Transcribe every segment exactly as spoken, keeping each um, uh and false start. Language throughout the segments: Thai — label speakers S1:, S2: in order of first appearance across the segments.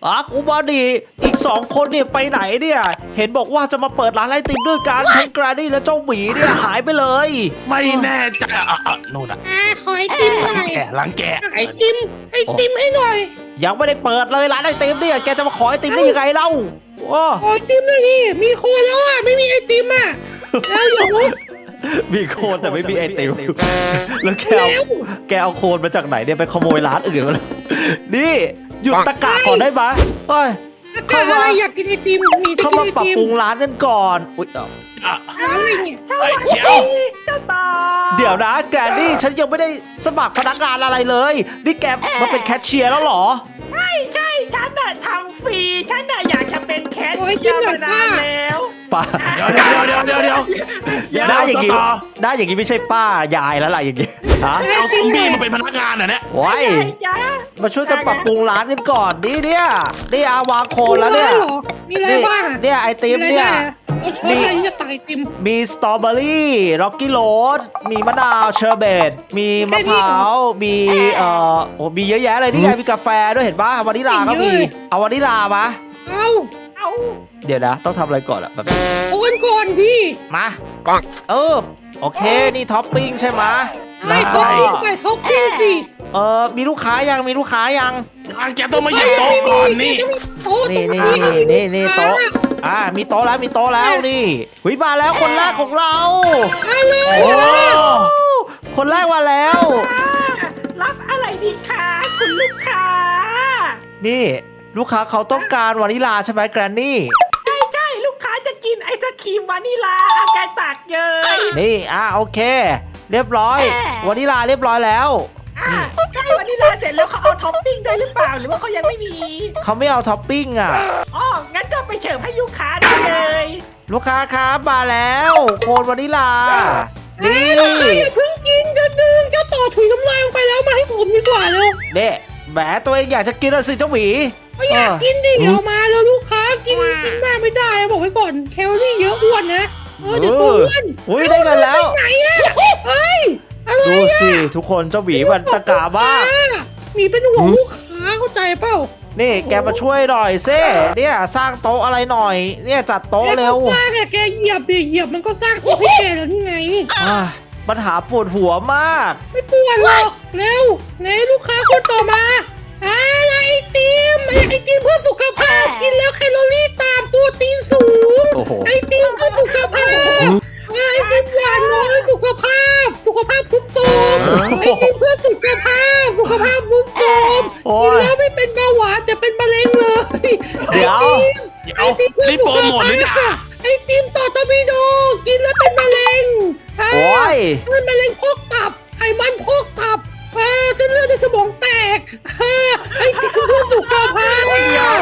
S1: อ่ะครูบอดี้อีกสองคนเนี่ยไปไหนเนี่ยเห็นบอกว่าจะมาเปิดร้านไอติมด้วยกันทั้งแกรนดี้และเจ้าหมีเนี่ยหายไปเลย
S2: ไม่แน่ใจอ่ะอ่ะนู่นอ่ะ
S3: อ่าขอไอติมหน่อย
S2: แกะหลังแกะ
S3: ไอติมไอติมให้หน่อย
S1: ยังไม่ได้เปิดเลยร้านไอติมเนี่ยแกจะมาขอไอติมได้ยังไงเล่าโอ้
S3: ขอไอติมหน่อยดิมีคนแล้วอ่ะไม่มีไอติมอ่ะแล้วอย่าวุ้
S1: มีโคนแต่ไม่มีไอติมแล้วแกเอาแกเอาโคนมาจากไหนเนี่ยไปขโมยร้านอื่นมาแล้วนี่หยุดตะกะก่อนได้ไหมเฮ้ย
S3: เข้ามาอยากกินไอติมมีจะ
S1: เข้า
S3: กิน
S1: มา
S3: ไอ
S1: ปรับ
S3: ติม
S1: ปรุงร้านกันก่อนอุ๊ยเอ้า
S2: อ่ะ
S3: อะไรเนี่ย
S2: เฮ้ยเดี๋ยว
S4: เจ้าต่อ
S1: เดี๋ยวนะแกนี่ฉันยังไม่ได้สมัครพนักงานอะไรเลยนี่แกมาเป็นแคชเชียร์แล้วเหรอ
S4: ใช่ใช่ฉันน่ะทำฟรีฉันน่ะอยากจะเป็นแคทเชียร์มานานแล้ว
S1: ป้า
S2: เดี๋ยวเดี๋ยวเดี๋ยวเดี๋ยวเดี๋ยวเดี๋ยว
S1: ได้อย่างงี้
S2: ต่อ
S1: ได้อย่างงี้ไม่ใช่ป้ายายแล้วล่ะอย่างงี้ฮะ
S2: เอาซอมบี้มาเป็นพนักงานเหรอเนี่ย
S1: โอ้ย
S4: ใช่จ้า
S1: มาช่วยกันปรับปรุงร้านกันก่อนนี่เนี่ยนี่อาวางโคนแล้วเนี่ย
S3: มีอะไร
S1: นี่
S3: บ้าง
S1: เนี่ยไอติมเนี่ย
S3: เราชอบอะไรที่จะตักไอติม
S1: มีสตรอเบอรี่ร็อกกี้โรสมีมะนาวเชอร์เบตมีมะพร้าวมีเอ่อโอ้มีเยอะแยะเลยนี่ไงมีกาแฟด้วยเห็นป่ะวานิลาก็มีเอาวานิลามา
S3: เอา
S4: เอา
S1: เดี๋ยวนะต้องทำอะไรก่อนอะแบบ
S3: โอนก่อนพี่
S1: มาเออโอเคนี่ท็อปปิ้งใช่ไหม
S3: ไอ้
S1: แล้ว
S3: ท็
S1: ก็
S3: อปปิ้งไก่ท็อปปิ้งสิ
S1: เออมีลูกค้ายังมีลูกค้ายัง
S2: อ่ะแกต้องมาหยิบโต๊ะก่อนนี่
S3: โต๊ะ
S1: นี่นี่นี่นี่นี่โต๊ะอ่ามีโต๊ะแล้วมีโต๊ะแล้วนี่หุยมาแล้วคนแรกของเรา
S3: มาเลย
S2: โอ้
S1: คนแรกมาแล้ว
S4: รับอะไรดีคะคุณลูกค้า
S1: นี่ลูกค้าเขาต้องการวานิลาใช่ไหมแกรนนี่
S4: ใช่ใช่ลูกค้าจะกินไอศครีมวานิลาอาการตักเยย
S1: นี่อ่าโอเค เรียบร้อยวานิลาเรียบร้อยแล้ว
S4: อ่ะใกล้วานิลาเสร็จแล้วเขาเอาท็อปปิ้งด้วยหรือเปล่าหรือว่าเขายังไม่มี
S1: เขาไม่เอาท็อปปิ้งอ่ะ
S4: อ๋องั้นก็ไปเฉิมให้ลูกค้าได้เลย
S1: ลูกค้าครับมาแล้วโคนวานิลา นี่
S3: อย่าเพิ่งกินจะดึงจะต่อถุยน้ำลายลงไปแล้วมาให้ผมดีกว่าเร็ว
S1: เด็แหมตัวเองอยากจะกินอะสิเจ้าหมี
S3: ไม่อยากกินดิเอามาแล้วลูกค้ากินกินมากไม่ได้บอกไว้ก่อนแคลอรี่เยอะอ้วนนะเออเดี๋ยวตัวอ้วน
S1: อุ้ยได้กันแล้ว
S3: ไหนอะเฮ้ยอะไร
S1: ดู
S3: อะ
S1: สิทุกคนเจ้าหมีมันตะกาบ้าก
S3: มีเป็นห่วงลูกค้าเข้าใจเปล่า
S1: นี่แกมาช่วยหน่อยเซ่เนี่ยสร้างโต๊ะอะไรหน่อย เนี่ยจัดโต๊ะเร็ว
S3: แกก็สร้างอะแกเหยียบดิเหยียบมันก็สร้างตัวให้แกแล้วนี่ไง
S1: อ่าปัญหาปวดหัวมาก
S3: ไม่ปวดหรอกเร็วไหนลูกค้าคนต่อมาอะไรไอติมไอติมเพื่อสุขภาพกินแล้วแคลอรี่ต่ำโปรตีนสูง
S1: โอ้โห
S3: ไอติมเพื่อสุขภาพไอติมหวานน้อยสุขภาพ สุขภาพสุดโทรมไอติมเพื่อสุขภาพ สุขภาพสุดโทรม
S1: โอ้
S3: กิน
S1: ย
S3: แล้วไม่เป็นเบาหวานแต่เป็นมะเร็งเลย
S1: เดี๋ยว
S2: เดี๋ยว
S3: ไอติมเพื่อ
S2: นี่
S3: สุ
S2: โป
S3: ข
S2: รโมทหรือ
S3: ภา
S2: เปล่า
S3: พไอติมต่อตอร์ปิโดกินแล้วเป็นมะเร็ง
S1: โอ้ย
S3: เป็นมะเร็งพอกตับไขมันพอกตับเออเส้นเลือดในสมองแตกเออไอ้ที่คุณพูดสุขภาพเออ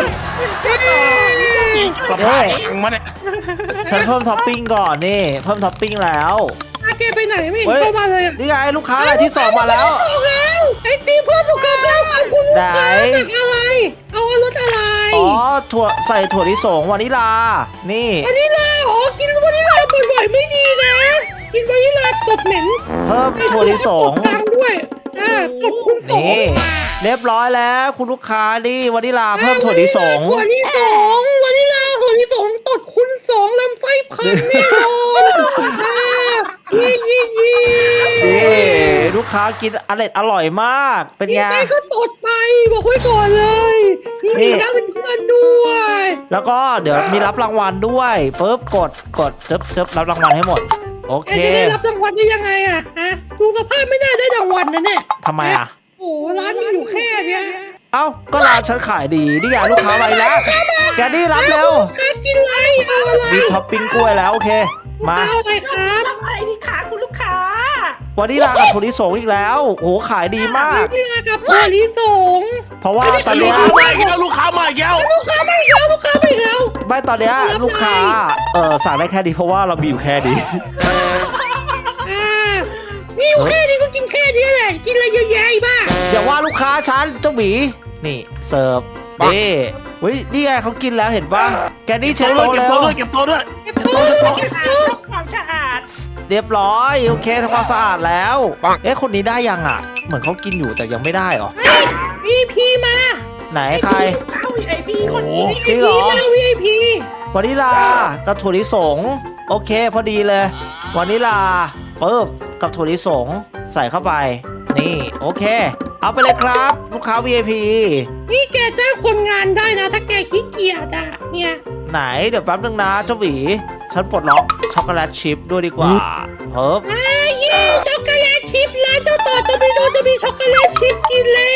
S2: ประพาสตังค์มาเนี่ย
S1: ฉันเพิ่มท็อปปิ้งก่อนนี่เพิ่มท็อปปิ้งแล้ว
S3: อาเกไปไหนไม่เห็น
S1: เฮ้ย
S3: เข้ามาเลย
S1: นี่ไงลูกค้ารายที่สองมาแล้ว
S3: สองแล้วไอ้ตีเพื่อสุขภาพขอบคุณลูกค้า
S1: ไหน
S3: จากอะไร เอารสอะไร
S1: อ๋อถั่วใส่ถั่วลิสงวานิลา นี่
S3: วานิลาอ๋อกินวานิลาบ่อยๆไม่ดีนะ กินวานิลาตดเหม็น
S1: เพิ่มถั่วลิสง
S3: ตดดังด้วยอ่าตดคุณสอง
S1: นี่เรียบร้อยแล้วคุณลูกค้านี่วานิลาเพิ่มถั่วลิสง
S3: ถั่วลิสงวานิลาถั่วลิสงตดคุณสองลำไส้พันแน่นอนอ่ายี่ยี่ยี่
S1: นี่ลูกค้ากินอร่อยอร่อยมาก เป็นไง
S3: ไปก็ตดไปบอกไว้ก่อนเลย
S1: นี่
S3: นี่นะเป็นเพื่อนด้วย
S1: แล้วก็เดี๋ยวมีรับรางวัลด้วยปุ๊บกดกดจึ๊บจึ๊บรับรางวัลให้หมด โอ
S3: แก
S1: เค
S3: จะได้รับรางวัลได้ยังไงอะฮะดูสภาพไม่น่าได้รางวัลนะเนี่ย
S1: ทำไมอ่ะ
S3: โอ้ร้านมีอยู่แค่เนี้ย
S1: เอ้าก็ร้านฉันขายดีนี่ไงลูกค้าไปแล้วแกนี่รับเร็ว
S3: ค้ากินอะไรเอาอะไร
S1: มีท็อปปิ้งกล้วยแล้วโอเค มา
S3: เอาอะไรครับ
S4: รับอะไรดีคะคุณลูกค้า
S1: วันนี้ลากับถั่วลิสงอีกแล้วโอ้โหขายดีมาก
S3: นี่ลากับถั่วลิสง
S1: เพราะว่าตอน
S2: ลู
S1: เนี้
S2: ก
S1: ย
S2: ค้ามาอีกแล้วลูกค้ามาอีกแล้ว
S3: ลูกค้าไม่แล้วลูกค้าไม่แล้ว
S1: ไม่ตอนเนี้ยลูกค้าเออสั่งได้แค่ดีเพราะว่าเรามีอยู่แค่ดี
S3: อ่ามีอยู่แค่นี้ก็กินแค่นี้แหละกินอะไรเยอะแยะบ้า
S1: อย่าว่าลูกค้าฉันเจ้าหมีนี่เสิร์ฟนี่เฮ้ยนี่ไงเขากินแล้วเห็นปะแกนี่เช็ด
S2: เก็บ
S1: โต๊ะ
S2: เก็บ
S1: แล้ว
S2: โต๊ะด้วยเก็บโต๊ะด้วย
S3: เก็บโต๊ะเก็บโต๊ะ
S4: ความสะอาด
S1: เรียบร้อยโอเคทำความสะอาดแล้วเอ๊ะคนนี้ได้ยังอ่ะ เหมือนเขากินอยู่แต่ยังไม่ได้หรอ
S3: มีพีมา
S1: ไหนใคร
S4: เอาไอพีคน
S1: จริงเหรอ
S3: มา วี ไอ พี
S1: วานิลากับถั่วลิสงโอเคพอดีเลยวานิลาปึ๊บกับถั่วลิสงใส่เข้าไปนี่โอเค เอาไปเลยครับลูกค้า วี ไอ พี
S3: นี่แกจ้างคนงานได้นะ ถ้าแกขี้เกียจอ่ะเนี่ย
S1: ไหนเดี๋ยวแป๊บนึงนะเจ้าหวีฉันปลดล็อกช็อกโกแลตชิพด้วยดีกว่าเฮ้ย
S3: ไอ้ยี่ช็อกโกแลตชิพร้านเจ้าต่อตะบิโดจะมีช็อกโกแลตชิพกินแล้ว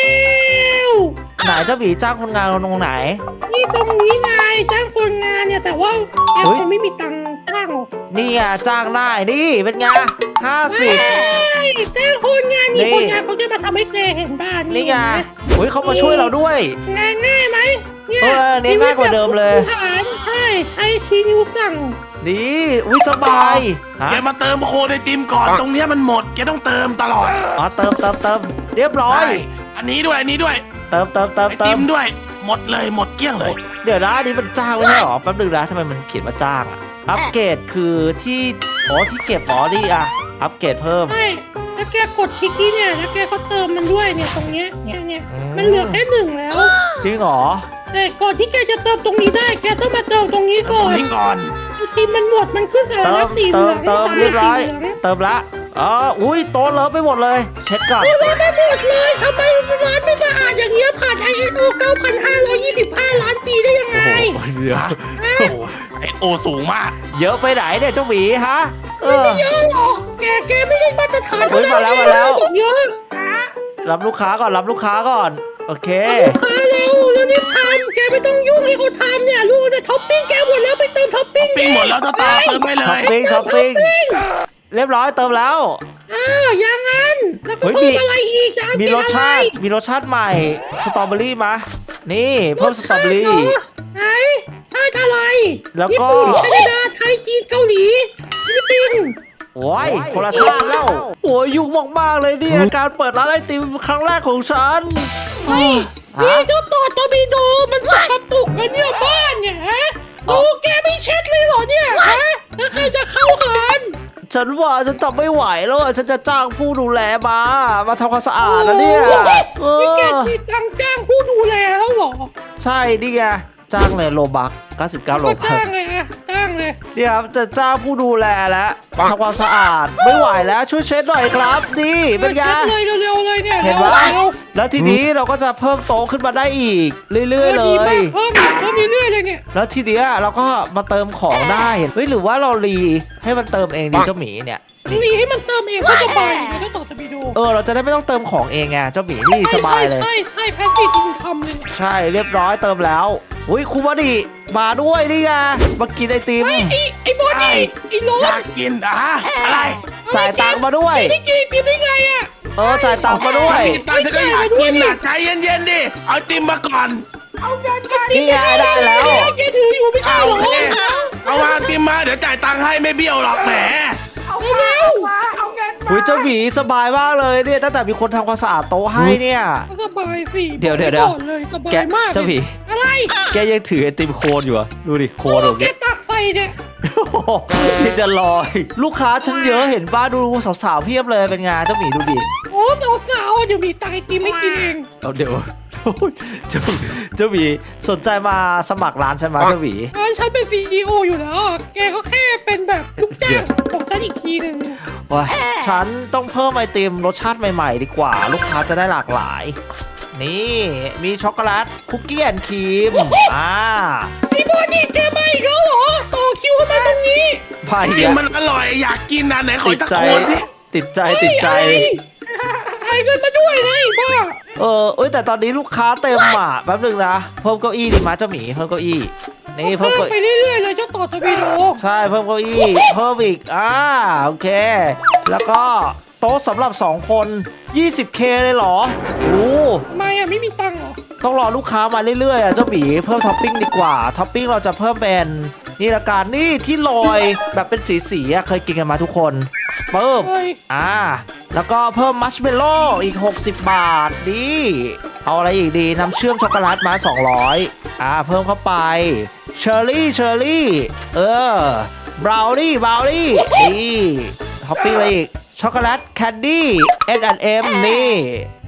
S1: ไหนเจ้าหวีจ้างคนงานตรงไหน
S3: นี่ตรงนี้ไงจ้างคนงานเนี่ยแต่ว่าแก
S1: เฮ้ย
S3: คงไม่มีตังค์จ้างหรอก
S1: นี่ไงจ้างได้นี่เป็นไงห้าสิบ
S3: ใช่จ้างคนงานนี่
S1: นี่
S3: คนงานเขาจะมาทำให้แกเห็นบ้าน
S1: นี่ไงเฮ้ยเขามาช่วยเราด้วย
S3: งานง่ายไหมเนี่ย
S1: เออนี่ง่ายกว่าเดิมเลย
S3: ชีวิตแบบผู้บริหารใช่ใช้ชี้นิ้วสั่ง
S1: ดีอุ้ยสบายฮะ
S2: แกมาเติมโคในติมก่อนตรงเนี้ยมันหมดแกต้องเติมตลอด
S1: อ๋อเติมเติมเติมเรียบร้อย
S2: ใช่อันนี้ด้วยอันนี้ด้วย
S1: เติมเติมเติม
S2: ไอ
S1: เติ
S2: ติ
S1: ม
S2: มด้วย หมดเลยหมดเกลี้ยงเลย
S1: เดี๋ยวนะอันนี้มันจ้างไม่ใช่หรอแป๊บนึงนะทำไมมันเขียนว่าจ้างอะอัปเกรดคือที่อ๋อที่เก็บอ๋อนี่อะอัปเกรดเพิ่ม
S3: ใช่ถ้าแกกดคลิกนี้เนี่ยแล้วแกก็เติมมันด้วยเนี่ยตรงเนี้ยเนี่ยเนี่ย
S1: อืม
S3: มันเหลือแค่หนึ่งแล้ว
S1: จริงเหรอ
S3: แต่ก่อนที่แกจะเติมตรงนี้ได้แกต้องมาเติมตรงนี้
S2: ต
S3: ก่
S2: ร
S3: อง น
S2: นี้ก่อน
S3: ทีมันหมดมันขึ้นสาร
S1: เติ
S3: ละ
S1: ม
S3: สีเห
S1: เติ
S3: ลื
S1: ม
S3: อง
S1: เติม
S3: สาร
S1: เรียบ
S3: ละ
S1: ร้อย
S3: สีเหลือง
S1: เติมละอ๋ออุ้ยโต๊ะเลอะไปหมดเลย เช็ดก่อน
S3: โอ้ยไม่หมดเลยทำไมร้านไม่สะอาดอย่างเงี้ยผ่าน ไอ เอส โอ เก้าพันห้าร้อยยี่สิบห้า ล้านปีได้ยังไง
S1: โอ้โหเยอะ
S2: โอ้โหไอโอสูงมาก
S1: เยอะไปไหนเนี่ยเจ้าหวีฮะเออ
S3: ไม่เยอะหรอกแกแกไม่ได้มาตรฐาน
S1: เฮ้ยมาแล้วมาแล้ว
S3: บอกเยอะ
S1: รับลูกค้าก่อนรับลูกค้าก่อนโอเค
S3: ลูกค้าเร็วแล้วรีบทำแกไม่ต้องยุ่งให้เขาทำเนี่ยลูกเนี่ยท็อปปิ้งแกหมดแล้วไปเติมท็อปปิ้ง
S2: ปิ้งหมดแล้วเจ้าตาเติมไม่เล
S1: ท็อป
S2: ย
S1: ปิ้งท็อปปิ้งเรียบร้อยเติมแล้ว
S3: อ้าวอย่างนั้นแล้วก็
S1: เฮ้ย
S3: เพิ่ม
S1: มี
S3: อะไรอีกจะเอา
S1: มี
S3: กิน
S1: รสชาติ
S3: อะไร
S1: มีรสชาติใหม่สตรอเบอรี่มานี่เพิ่มสตรอเบอรี่
S3: ไหนชาติอะไร
S1: แล้วก็
S3: ญี่ปุ่นแคนาดาไทยจีนเกาหลีฟิลิปปินส์
S1: โอ้ยคนละชาติแล้วโอ้ยยุ่งมากๆเลยเนี่ยการเปิดร้านไอติมครั้งแรกของฉัน
S3: เฮ้ย
S1: ฮะ
S3: นี่เจ้าต่อตอร์ปิโดมันสกปรกกันเนี่ยบ้านเนี่ยฮะโอ้แกไม่เช็ดเลยเหรอเนี่ยฮะแล้วใครจะเข้ากัน
S1: ฉันว่าฉันทำไม่ไหวแล้วอะฉันจะจ้างผู้ดูแลมา มาทำความสะอาดนะเนี่ยเอ
S3: นี่แก
S1: อ
S3: มีตังค์จ้างผู้ดูแลแล้วเหรอ
S1: ใช่นี่ไงจ้างเลยโลบักเก้าสิบเก้าโล
S3: ก็
S1: บัก
S3: จ้างเลยอะจ้างเลย
S1: เนี่ยครับจะจ้างผู้ดูแลแล้วทำความสะอาดไม่ไหวแล้วช่วยเช็ดหน่อยครับดีเป็นไง
S3: เช็ดเลยเร็วๆเลยเนี่ย
S1: เห็น
S3: ร็ว
S1: ว่า
S3: ร็ว
S1: แล้วทีนี้เราก็จะเพิ่มโต๊ะขึ้นมาได้อีก เรื่อยๆเล
S3: ดีมาก
S1: ย
S3: เพิ่มอีกเพิ่มเรื่อยๆเลยเนี่ย
S1: แล้วทีเนี้ยเราก็มาเติมของได้เฮ้ยหรือว่าเรารีให้มันเติมเองดีเจ้าหมีเนี่ย
S3: รีให้มันเติมเองก็สบายนะเจ้าต่อตะบิโด
S1: เออเราจะได้ไม่ต้องเติมของเองไงเจ้าหมีนี่สบายเลย
S3: ใช่ใช่ใช่แพสซีฟอินคัมเลย
S1: ใช่เรียบร้อยเติมแล้วอุ้ยครูบดีมาด้วยนี่ไงมากินไอติม
S3: ไอ้ไอ้ไอ้บอดี้ไอ้โร
S2: อ
S3: ส
S2: ยากกินอ่ะอะไร
S1: จ่ายตังค์มาด้วย
S3: ไม่ได้กินกินได้ไงอะ
S1: เออจ่ายตังค์มาด้วย
S2: กินตังค์เธอก็อยากกินอ่ะใจเย็นๆดิเอาติมมาก่อน
S4: เอาเงินมา
S1: นี่ไงได้แล้ว
S3: แกถืออยู่ไม่ใช่
S2: เอา
S3: เหรอ
S2: โอเคเอามาติมมาเดี๋ยวจ่ายตังค์ให้ไม่เบี้ยวหรอกแหม
S4: เอาเงินมาเอาเงินมา
S1: อุ้ยเจ้าหมีสบายมากเลยเนี่ยตั้งแต่มีคนทำความสะอาดโต๊ะให้เนี่ย
S3: สบายสิ
S1: เดี๋ยวเดี๋ยวเดี๋ยว
S3: บอกเลยสบา
S1: แก
S3: ยมาก
S1: เจ้าหมี
S3: อะไร
S1: แกยังถือไอติมโคนอยู่อะดูดิโค
S3: โอ้
S1: นตรง
S3: แก
S1: นี้
S3: ตักใส่เนี่ย
S1: ที่จะลอย ลูกค้าฉันเยอะเห็นป้าดูสาวๆเพียบเลยเป็นไงเจ้าหมีดูดิ
S3: โอ้สาวๆเดี๋ยวมีตักไอติมไม่กินเอง
S1: เอาเดี๋ยว เจ้าเจ้าหมีสนใจมาสมัครร้านฉันไหมเจ้าหมี
S3: อ่าฉันเป็นซีอีโออยู่แล้วอะแกก็แค่เป็นแบบลูกจ้างของฉันอีกทีหนึ่ง
S1: ว้ายฉันต้องเพิ่มไอติมรสชาติใหม่ๆ ดีกว่า ลูกค้าจะได้หลากหลาย นี่มีช็อกโกแลตคุกกี้แอนด์ครีมอ่า
S3: ไอ้บอดี้แกมาอีกแล้วเหรอต่อคิวเข้ามาตรงนี้
S1: ไป
S2: ติ
S1: เดี๋
S2: ม
S1: ยว
S2: มันอร่อยอยากกินนะไหนขอ
S1: ติด
S2: ตะ
S1: ใจ
S2: โกนดิ
S1: ติดใจติดใจ
S3: ไอ้เงินมาด้วยเลยบ้า
S1: เออเอ้ยแต่ตอนนี้ลูกค้าเต็มอ่ะแป๊บนึงนะเพิ่มเก้าอี้ดีมาเจ้าหมีเพิ่มเก้าอี้นี่เพิ่
S3: เพิ่
S1: ม
S3: ม
S1: เก้า
S3: ไป
S1: อี้
S3: เรื่อยๆเลยเจ้าต่อตะวีโด
S1: ใช่เพิ่มเก้าอี้เพิ่มอีกอ่าโอเค แล้วก็โต๊ะสำหรับสองคน ยี่สิบเค เลยเหรอโอ้
S3: ทำไมอ่ะไม่มีตังค์เหรอ
S1: ต้องรอลูกค้ามาเรื่อยๆอ่ะเจ้าหมีเพิ่มท็อปปิ้งดีกว่าท็อปปิ้งเราจะเพิ่มเป็นนี่ละกันนี่ที่ลอยแบบเป็นสีๆอ่ะเคยกินกันมาทุกคนเพิ่ม
S3: เฮ้ย
S1: อ่าแล้วก็เพิ่มมัชเมลโล่อีกหกสิบบาทดีเอาอะไรอีกดีน้ำเชื่อมช็อกโกแลตมาสองร้อยอ่าเพิ่มเข้าไปเชอร์รี่เชอร์รี่เออบราวนี่บราวนี่ดีท็อปปิ้งอะไรอีกช็อกโกแลตแคนดี้ เอส แอนด์ เอ็ม นี่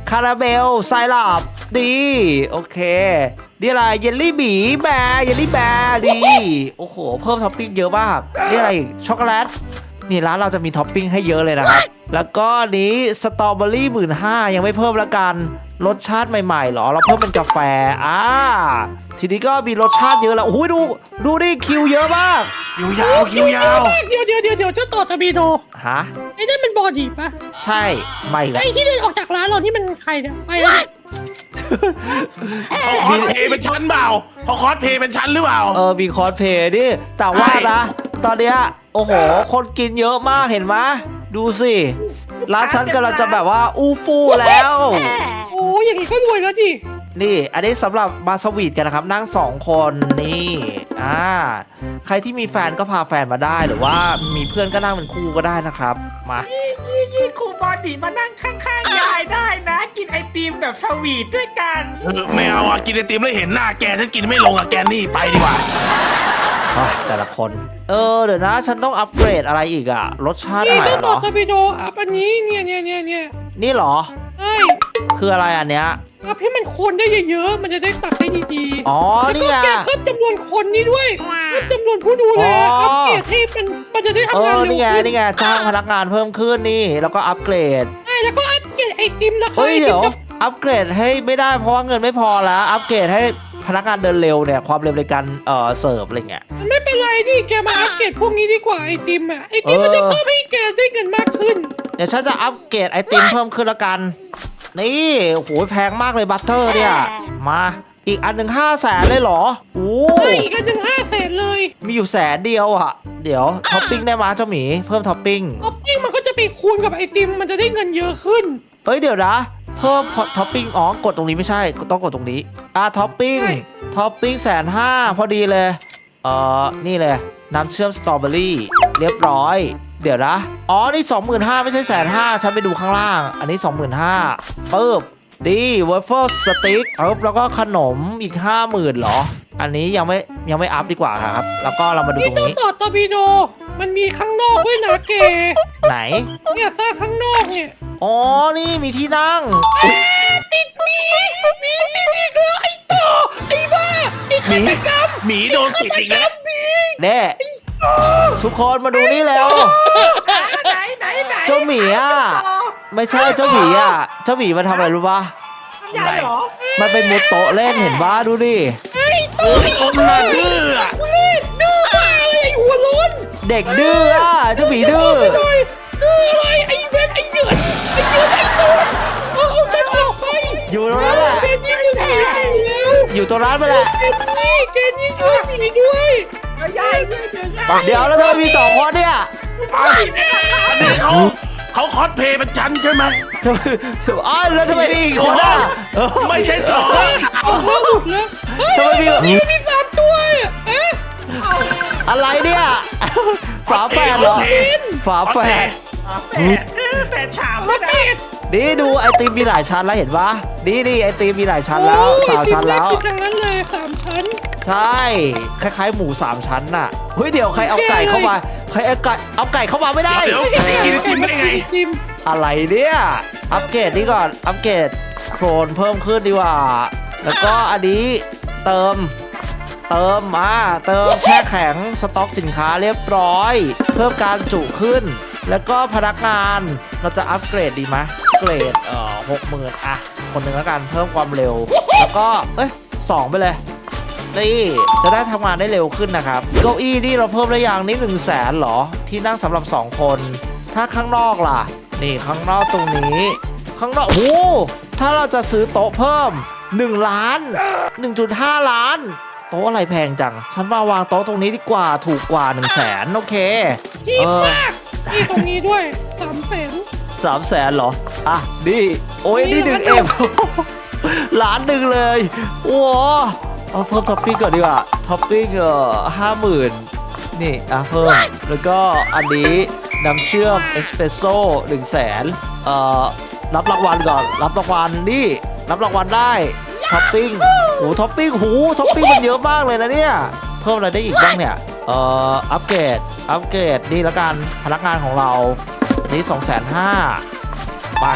S1: คาราเมลไซรัปดีโอเคนี่อะไรเยลลี่หมีแบร์เยลลี่แบร์ดีโอ้โหเพิ่มท็อปปิ้งเยอะมากนี่อะไรอีกช็อกโกแลตนี่ร้านเราจะมีท็อปปิ้งให้เยอะเลยนะครับแล้วก็นี้สตรอเบอรี่หมื่นห้ายังไม่เพิ่มละกันรสชาติใหม่ๆหรอเราเพิ่มเป็นกาแฟอ่าทีนี้ก็มีรสชาติเยอะแล้วโอ้ยดูดูดิคิวเยอะมาก
S2: คิวยาวคิวยาว
S3: เดี๋ยวเดี๋ยวเดี๋ยวเดี๋ยวเจ้าต่อตะบีโด
S1: ฮะ
S3: ไอ้นั่นมันบอดีปะ
S1: ใช่ไม่ละ
S3: ไอ้ที่เดินออกจากร้านเรานี่มันใครเนี่ยไปแล้วเนี่ย
S2: เขาคอสเพลย์เป็นชั้นเปล่าเขาคอสเพลย์เป็นชั้นหรือเปล่า
S1: เออมีคอสเพลย์ดิแต่ว่านะ ตอนเนี้ยโอ้โห คนกินเยอะมากเห็นไหมดูสิร้านฉันกำลังจะแบบว่าอู้ฟู่แล้ว
S3: โอ้ยอย่างนี้ก็รวยแล้วดิ
S1: นี่ อันนี้สำหรับมาสวีทกันนะครับ นั่งสองคนนี่อ่าใครที่มีแฟนก็พาแฟนมาได้หรือว่ามีเพื่อนก็นั่งเป็นคู่ก็ได้นะครับมา
S4: ยี่ยี่ครูบอดีมานั่งข้างๆยายได้นะ กินไอติมแบบสวีทด้วยกัน
S2: เออไม่เอาอ่ะกินไอติมแล้วเห็นหน้าแกฉันกินไม่ลงอ่ะแกนี่ไปดีกว่า
S1: อ่ะแต่ละคน เออเดี๋ยวนะฉันต้องอัปเกรดอะไรอีกอะรสชาติ
S3: นี่
S1: ใหม่
S3: เจ้า
S1: เหร
S3: ต่อ
S1: อ
S3: ตะบีโดอัพอันนี้เนี่ยเนี่ยเนี่ยเนี่ย
S1: นี่เหรอ
S3: ใช่
S1: คืออะไรอันเนี้ย
S3: อัพให้มันคนได้เยอะๆมันจะได้ตักได้ดีๆ
S1: อ๋อ
S3: แล้ว
S1: นี่
S3: ก็
S1: ไง
S3: แกเพิ่มจำนวนคนนี้ด้วยเพิ่มจำนวนผู้ดูแล
S1: อ๋ออั
S3: อัปเกรดให้มันมันจะได้
S1: เอ
S3: ทำงาน
S1: อ
S3: เร็ว
S1: นี่ไง
S3: ขึ้น
S1: นี่ไงจ้างพนักงานเพิ่มขึ้นนี่ แล้วก็อัปเกรด
S3: ใช่แล้วก็อัปเกรดไอติมราคา
S1: เฮ้ย
S3: ไอติ
S1: เดี๋
S3: ม
S1: ยว
S3: จะ
S1: อัปเกรดให้ไม่ได้เพราะว่าเงินไม่พอแล้ว อัปเกรดให้พนักงานเดินเร็วเนี่ยความเร็วในการเอ่อเสิร์ฟอะไรเงี้ย
S3: มันไม่เป็นไรดิแกมาอัปเกรดพวกนี้ดีกว่าไอติมอ่ะไอติมมันจะเพิ่มให้แกได้เงินมากขึ้น
S1: เดี๋ยวฉันจะอัปเกรดไอติมเพิ่มขึ้นละกัน นี่โอ้โหแพงมากเลยบัตเตอร์เนี่ย มาอีกอันหนึ่งห้าแสนเลยเหรอโอ้
S3: ใช่อีกอันหนึ่งห้าแสนเลย
S1: มีอยู่แสนเดียวอะเดี๋ยวท็อปปิ้งได้มาเจ้าหมีเพิ่มท็อปปิ้ง
S3: ท็อปปิ้งมันก็จะไปคูณกับไอติมมันจะได้เงินเยอะขึ้น
S1: เฮ้ยเดี๋ยวนะเพิ่มท็อปปิ้งอ๋อกดตรงนี้ไม่ใช่ต้องกดตรงนี้อ่ะท็อปปิ้ง
S3: ใช่
S1: ท็อปปิ้งแสนห้าพอดีเลยเอ่อนี่เลยน้ำเชื่อมสตรอเบอรี่เรียบร้อยเดี๋ยวนะอ๋อนี่ สองหมื่นห้าพัน ไม่ใช่แสนห้าฉันไปดูข้างล่าง อันนี้ สองหมื่นห้าพัน ปึ๊บดีเวอร์เฟิลสติ๊กปึ๊บแล้วก็ขนมอีก ห้าหมื่นเหรอ อันนี้ยังไม่ยังไม่อัพดีกว่าครับ แล้วก็เรามาดู
S3: นี่
S1: ตรง
S3: เจ้า
S1: นี้
S3: ต่อตอร์ปิโดมันมีข้างนอกด้วยนะแก
S1: ไหน
S3: เนี่ยสร้างข้างนอกเนี่ย
S1: อ๋อนี่มีที่นั่ง
S3: ติดหมีหมีติดอีกแล้วไอ้ต่อไอ้บ้าไอ้
S2: หมี
S3: ฆาตกรรม
S2: หมีโดนติดอีกแล้ว
S3: หมี
S1: เน่ทุกคนมาดูนี่แล้ว
S4: ไหนไหนไหน
S1: เจ้าหมีอ่ะ ไม่ใช่เจ้าหมีอ่ะ เจ้าหมีมาทำอะไรรู้ปะ
S4: ยายเหรอ
S1: มันเป็นมุดโต๊ะเล่นเห็นว่าดูดิ
S3: ไอ้ต่อไอ้
S2: คนน่ะดื้ออะ
S3: ทุเล่นดื้อบ้าเลยไอ้หัวโล้น
S1: เด็กดื้ออ่ะเจ้าหมีดื้อ
S3: ฉันกไปหน่อยดื้ออะไรไอ้เวนไอ้เหยินไอ้เหยินไอ้โดนเอาเอาฉันออกไป
S1: อยู่ตรงนั้นแหละ
S3: เกนนี่ดึงหมีอยู่แล้ว
S1: อยู่ตรงนั้นไปแหละ
S3: เกนนี่เกนนี่ช่วยหมีด้วย
S4: เดี๋ยวยายเดี๋ยวเดี๋ยวยาย
S1: เดี๋ยวแล้วเธอมีสองคนเนี่ย
S2: อันนี้เขาเขาคอสเพลย์เป็นชั้นใช่ไหม
S1: เธอเธออ้าวแล้วทำไมมีอีกคนอ่ะเออ
S2: ไม่ใช่สอง
S3: ออกแล้วหลุดแล้วเฮ้ย
S1: ทำไมมี
S3: นี่มันมีสามตัวอะเอ๊ะ
S1: อะไรเนี่ยฝาแฝดเหรอฝาแฝด
S4: แฝดเออแฝดฉาบ
S3: มา
S4: ด้วยนะ
S3: เป็ด
S1: นี่ดูไอติมมีหลายชั้นแล้วเห็นปะนี่นี่ไอติมมีหลายชั้นแล้ว
S3: โอ้ย
S1: สามชั้นแล้ว
S3: ติดทั้งนั้นเลยสามชั้น
S1: ใช่ คล้ายๆหมูสามชั้นน่ะ เฮ้ยเดี๋ยวใครเอาไก่เข้ามา ใครเอาไก่เอาไก่เข้ามาไม่ได้
S2: เดี๋ยวกินไอติมได้ไง
S3: จิม
S1: อะไรเนี่ย อัปเกรดนี่ก่อน อัปเกรดโครนเพิ่มขึ้นดีกว่า แล้วก็อันนี้เติม เติมมาเติมแช่แข็งสต็อกสินค้าเรียบร้อย เพิ่มการจุขึ้น แล้วก็พนักงานเราจะอัปเกรดดีไหมเกรดเอ่อหกหมื่นอ่ะ คนหนึ่งแล้วกันเพิ่มความเร็ว แล้วก็ เอ้ยสองไปเลย นี่จะได้ทำงานได้เร็วขึ้นนะครับเก้าอี้นี่เราเพิ่มได้อย่างนี้หนึ่งแสนหรอ ที่นั่งสำหรับสองคน ถ้าข้างนอกล่ะ นี่ข้างนอกตรงนี้ ข้างนอกโอ้โหถ้าเราจะซื้อโต๊ะเพิ่มหนึ่งล้าน หนึ่งจุดห้า ล้าน โต๊ะอะไรแพงจัง ฉันมาวางโต๊ะตรงนี้ดีกว่าถูกกว่าหนึ่งแสนโอเค
S3: จีบมากนี่ตรงนี้ด้วยสามแสน
S1: สามแสนเหรอ อ่ะนี่โอ้ยนี่หนึ่งเอ็ม ล้านหนึ่งเลยโอ้โหเอาเพิ่มท็อปปิ้งก่อนดีกว่าท็อปปิ้งเอ่อห้าหมื่นนี่อ่ะเพิ่มแล้วก็อันนี้น้ำเชื่อมเอสเปรสโซ่หนึ่งแสนเอ่อรับรางวัลก่อนรับรางวัลนี่รับรางวัลได้ท็อปปิ้งโอ้ท็อปปิ้งหูท็อปปิ้งมันเยอะมากเลยนะเนี่ยเพิ่มอะไรได้อีกบ้างเนี่ยเอ่ออัปเกรดอัปเกรดนี่ละกันพนักงานของเรานี่สองแสนห้าไป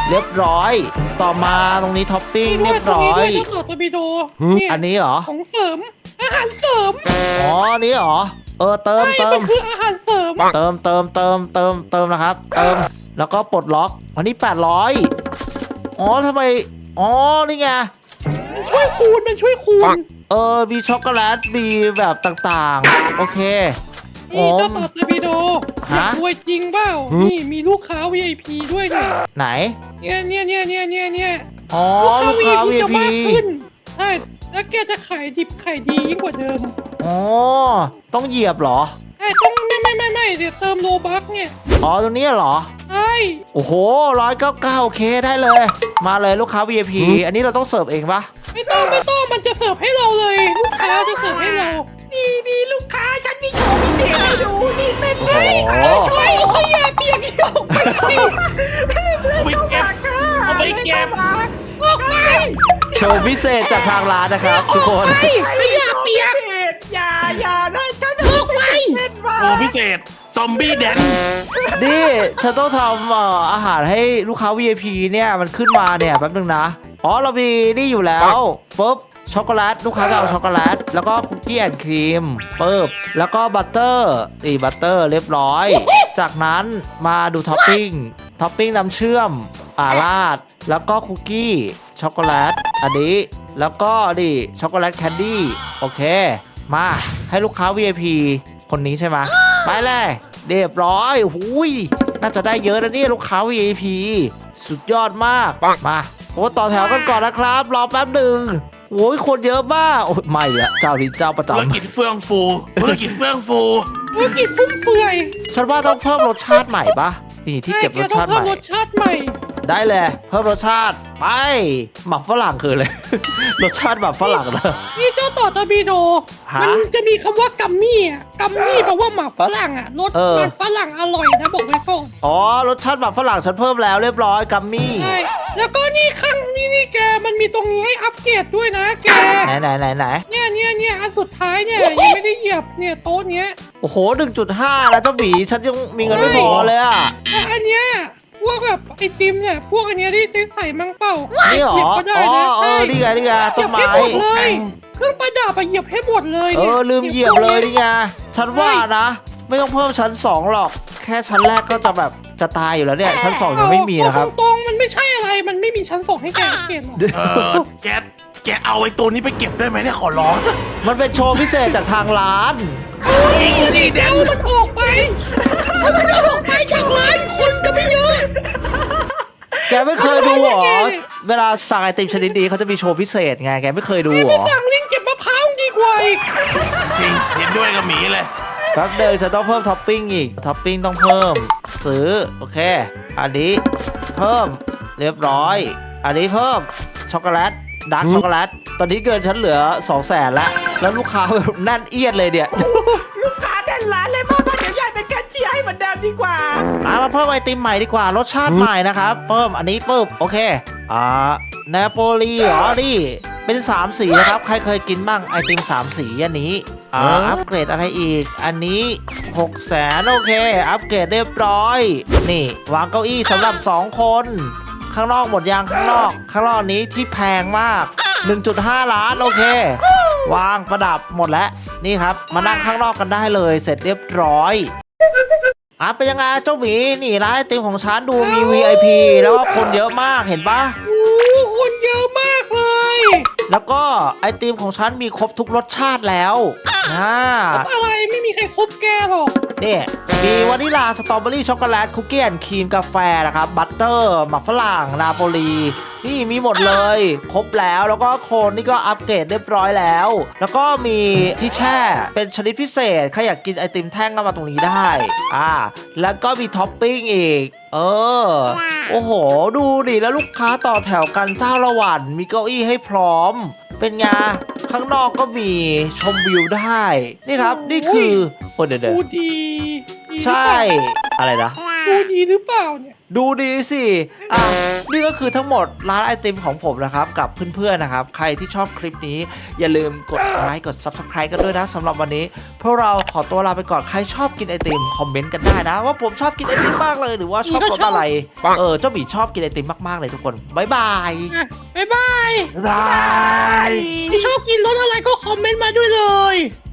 S1: เรียบร้อย ต่อมาตรงนี้ท็อปปิ้ง
S3: นี่ด้
S1: เรี
S3: วย
S1: ยบ
S3: ตรง
S1: ร้อ
S3: นี้ด้วย
S1: ย
S3: เจ้าต่อตะบิโดเนี่ย
S1: อันนี้เหรอ
S3: ของเสริมอาหารเสริม
S1: อ๋อนี่เหรอเออเติม
S3: ใช่
S1: เติ
S3: มั
S1: ม
S3: นคืออาหารเสริม
S1: เติมเติมเติมเติมเติมนะครับ เติมแล้วก็ปลดล็อกวันนี้แปดร้อยอ๋อทำไมอ๋อนี่ไง
S3: มันช่วยคูณมันช่วยคูณ
S1: เออมีช็อกโกแลตมีแบบต่างๆ โอเค
S3: นี่เจ้าต่อตะบิโดอ
S1: ฮะ
S3: ยากรวยจริงเปล่านี่มีลูกค้า วี ไอ พี ด้วยเนี่ย
S1: ไหน
S3: เนี่ยเนี่ยเนี่ยเนี่ยเนี่ยเนี่ย
S1: อ๋อ
S3: ลู
S1: ลู
S3: ก
S1: ก
S3: ค้า
S1: ค้า
S3: วี
S1: วี
S3: จะ
S1: พี
S3: มากขึ้นใช่แล้วแกจะขายดิบขายดียิ่งกว่าเดิม
S1: อ๋อต้องเหยียบเหรอ
S3: ใช่ต้องไม่ไม่ไม่ไม่เดี๋ยวเติมโลบัคเนี่ย
S1: อ๋อตรงนี้เหรอ
S3: ใช่
S1: โอ้โหร้อยเก้าเก้าโอเคได้เลย มาเลยลูกค้า วี ไอ พี อันนี้เราต้องเสิร์ฟเองปะ
S3: ไม่ต้องไม่ต้องมันจะเสิร์ฟให้เราเลยลูกค้าจะเสิร์ฟให้เรา
S4: นี่นี่ลูกค้าฉันมีโชว์พิเศษให้ดูนี่เป็นไง
S1: โอ้โห
S3: ใช่เอาขยะเปียกเดียวไปสิ
S2: เอาไปเก็บเอาไปเก็บ
S3: ออกไป
S1: โชว์พิเศษจากทางร้านนะครับทุกคน
S3: ไปขยะเปียก
S4: อย่าอย่านะฉัน
S3: ออกไป
S4: เป็นว่า
S2: โอ้พิเศษ ซอมบี้แดน
S1: นี่ฉันต้องทำเอ่ออาหารให้ลูกค้า วี ไอ พี เนี่ยมันขึ้นมาเนี่ยแป๊บนึงนะ อ๋อเรามีนี่อยู่แล้วปุ๊บช็อกโกแลตลูกค้าจะเอาช็อกโกแลตแล้วก็คุกกี้แอนด์ครีมปุ๊บแล้วก็บัตเตอร์นี่บัตเตอร์เรียบร้อย จากนั้นมาดูท็อปปิ้งท็อปปิ้งน้ำเชื่อมอ่าราดแล้วก็คุกกี้ช็อกโกแลตอันนี้แล้วก็ดิช็อกโกแลตแคนดี้โอเค มาให้ลูกค้า วี ไอ พี คนนี้ใช่ไหมไปเลยเรียบร้อยหุยน่าจะได้เยอะนะเนี่ยลูกค้า วี ไอ พี สุดยอดมากมาโอ้ต่อแถวกันก่อนนะครับรอแป๊บหนึ่งโอ้ยคนเยอะมากโอ้ยไม่ละเจ้านี้เจ้าประ
S2: ธุร
S1: จำ
S2: กิจเฟื่องฟูธุรกิจเฟื่องฟู
S3: ธุรกิจฟุ่มเฟือย
S1: ฉันว่าต้องเพิ่มรสชาติใหม่ปะนี่ที่เก็บรสชาติ
S3: ใช่
S1: ให
S3: แก
S1: ม่
S3: ต้องเพิ่มรสชาติใหม่
S1: ได้เลยเพิ่มรสชาติไปหมักฝรั่งคือเลย รสชาติแบบฝรั่งนะ
S3: นี่เจ้าต่อตะบีโด
S1: ฮะ
S3: มันจะมีคำว่ากัมมี่อ่ะกัมมี่แปลว่าหมากฝรั่งอ่ะรส
S1: เออ
S3: มันฝรั่งอร่อยนะบอกไว้ก่อน
S1: อ๋อรสชาติแบบฝรั่งฉันเพิ่มแล้วเรียบร้อยกัมมี่
S3: ใช่แล้วก็นี่ข้างนี่นี่แกมันมีตรงนี้ให้อัปเกรดด้วยนะแก
S1: ไหนไหนไหนไหน
S3: เนี่ยเนี่ยเนี่ยอันสุดท้ายเนี่ยยังไม่ได้เหยียบเนี่ยโต๊ะเนี้ย
S1: โอ้โห หนึ่งจุดห้า นะเจ้าหมีฉันยังมีเงินไม่พอเลยอ่ะ
S3: แล้วอันเนี้ยพวกแบบไอติมเนี่ยพวกอันเนี้ยที่ได้ใส่มั่งเปล่า
S1: นี่เหรอ
S3: เหยียบก็ได้
S1: อ๋อ
S3: นะ
S1: เอ
S3: ใช่
S1: อนี่ไงนี่ไง
S3: เห
S1: ต้
S3: ยีย
S1: น
S3: บ
S1: ไม้
S3: ให้หมดเลยเครื่องประดับอะเหยียบให้หมดเลย
S1: เอ
S3: นี่ย
S1: อลืมเหยียบเลยนี่ไงฉันว่านะ ไม่ต้องเพิ่มชั้นสองหรอก แค่ชั้นแรกก็จะแบบจะตายอยู่แล้วเนี่ย ชั้นสองยังไม่มีนะครับ
S3: เอาตรงๆมันไม่ใช่อะไรมันไม่มีชั้นส่งให้แกอัปเกรดหรอก
S2: เออแกแกเอาไอ้ตัวนี้ไปเก็บได้ไหมเนี่ยขอร้อง
S1: มันเป็นโชว์พิเศษจากทางร้าน
S2: นี่นี่แดน
S3: เอามันออกไปเอามันออกไปจากร้านคนก็ไม่เยอะ
S1: แกไม่เคยดูเหรอ
S3: ไม่เคย
S1: เวลาสั่งไอติมชนิดนี้เขาจะมีโชว์พิเศษไง แกไม่เคยดูเหร
S3: ไป
S1: อ
S3: สั่งลิงเก็บมะพร้าวดีกว่าอีก
S2: จริงเห็นด้วยกับหมีเลย
S1: แป๊บเดียวฉันต้องเพิ่มท็อปปิ้งอีก ท็อปปิ้งต้องเพิ่ม ซื้อ โอเค อันนี้เพิ่มเรียบร้อย อันนี้เพิ่มช็อกโกแลตดาร์กช็อกโกแลต ตอนนี้เกินฉันเหลือสองแสนแล้ว แล้วลูกค้าแบบแน่นเอียดเลยเนี่ย
S4: ลูกค้าแน่นร้านเลยมากๆเดี๋ยวยายเป็นแคชเชียร์ให้เหมือนเดิมดีกว่า
S1: มามาเพิ่มไอติมใหม่ดีกว่ารสชาติใหม่นะครับเพิ่มอันนี้ปุ๊บโอเคอ่าเนโปลีเหรอนี่เป็นสามสีนะครับใครเคยกินบ้างไอติมสามสีอันนี้อ่า
S2: เอออั
S1: อัปเกรดอะไรอีก อันนี้หกแสนโอเคอัปเกรดเรียบร้อยนี่วางเก้าอี้สำหรับสองคนข้างนอกหมดยางข้างนอก ข้างนอกนี้ที่แพงมาก หนึ่งจุดห้า ล้านโอเค วางประดับหมดแล้วนี่ครับมานั่งข้างนอกกันได้เลยเสร็จเรียบร้อย อ่ะเป็นยังไงเจ้าหมีนี่ร้านไอติมของฉันดูมี วี ไอ พี แล้วก็คนเยอะมากเห็นปะ
S3: โอ้คนเยอะมากเลย
S1: แล้วก็ไอติมของฉันมีครบทุกรสชาติแล้วอ่า
S3: อะไรไม่มีใครครบแกหรอก
S1: นี่มีวานิลาสตรอเบอรี่ช็อกโกแลตคุกกี้แอนด์ครีมกาแฟนะครับบัตเตอร์หมักฝรั่งนาโปลีนี่มีหมดเลย ครบแล้วแล้วก็โคนนี่ก็อัปเกรดเรียบร้อยแล้ว แล้วก็มีที่แช่เป็นชนิดพิเศษใครอยากกินไอติมแท่งก็มาตรงนี้ได้อ่าแล้วก็มีท็อปปิ้งอีกเออโอ้โห ดูดิแล้วลูกค้าต่อแถวกันเจ้าละวันมีเก้าอี้ให้พร้อม เป็นไงข้างนอกก็มีชมวิวได้นี่ครับนี่คือโอ้เดี๋ยวเดี๋ยว
S3: ดูดีดี
S1: ใช่อะไรนะ
S3: ดูดีหรือเปล่าเนี่ย
S1: ดูดีสิอ่ะนี่ก็คือทั้งหมดร้านไอติมของผมนะครับกับเพื่อนๆนะครับใครที่ชอบคลิปนี้อย่าลืมกดไลค์กด ซับสไครบ์ กันด้วยนะสำหรับวันนี้พวกเราขอตัวลาไปก่อนใครชอบกินไอติมคอมเมนต์กันได้นะว่าผมชอบกินไอติมมากเลยหรือว่าชอบรสอะไรเออเจ้าหมีชอบกินไอติมมากๆเลยทุกคนบ๊ายบาย
S3: อ่ะบ๊ายบาย
S2: บาย
S3: ที่ชอบกินรสอะไรก็คอมเมนต์มาด้วยเลย